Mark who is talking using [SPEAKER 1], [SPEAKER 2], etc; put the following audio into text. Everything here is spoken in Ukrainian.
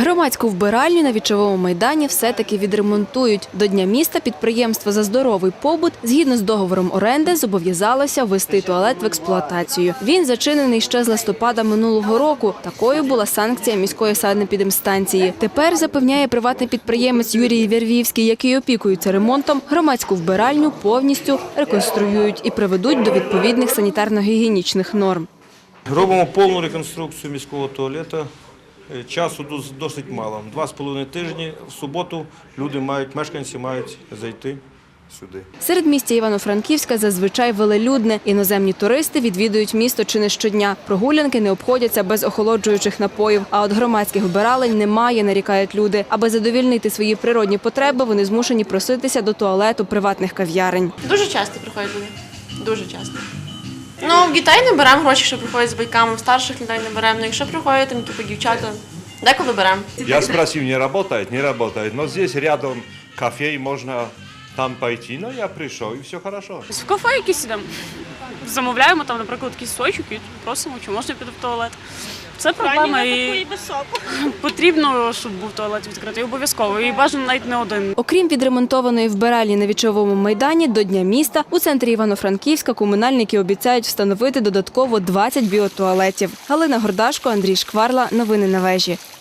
[SPEAKER 1] Громадську вбиральню на Вічовому майдані все-таки відремонтують. До Дня міста підприємство «За здоровий побут» згідно з договором оренди зобов'язалося ввести туалет в експлуатацію. Він зачинений ще з листопада минулого року. Такою була санкція міської санепідемстанції. Тепер, запевняє приватний підприємець Юрій Вервівський, який опікується ремонтом, громадську вбиральню повністю реконструюють і приведуть до відповідних санітарно-гігієнічних норм.
[SPEAKER 2] Робимо повну реконструкцію міського туалету. Часу досить мало. 2,5 тижні в суботу мешканці мають зайти сюди.
[SPEAKER 1] Середмістя Івано-Франківська зазвичай велелюдне. Іноземні туристи відвідують місто чи не щодня. Прогулянки не обходяться без охолоджуючих напоїв. А от громадських вбиралень немає, нарікають люди. Аби задовільнити свої природні потреби, вони змушені проситися до туалету приватних кав'ярень.
[SPEAKER 3] Дуже часто приходять люди. Дуже часто. Ну, в дітей не беремо гроші, що приходять з батьками, в старших людей не беремо. Ну, якщо приходять там типу дівчата, деколи беремо.
[SPEAKER 4] Я спросил, не работает, не работает. Но здесь рядом кафе, можно там пойти. Но я пришел, и все хорошо.
[SPEAKER 5] В кафе якісь ідемо, замовляємо там, наприклад, якийсь сочок і просимо, чи можна піти в туалет. Це проблема і потрібно, щоб був туалет відкритий, обов'язково, і бажано навіть не один.
[SPEAKER 1] Окрім відремонтованої вбиральні на Вічовому майдані, до Дня міста у центрі Івано-Франківська комунальники обіцяють встановити додатково 20 біотуалетів. Галина Гордашко, Андрій Шкварла. Новини на вежі.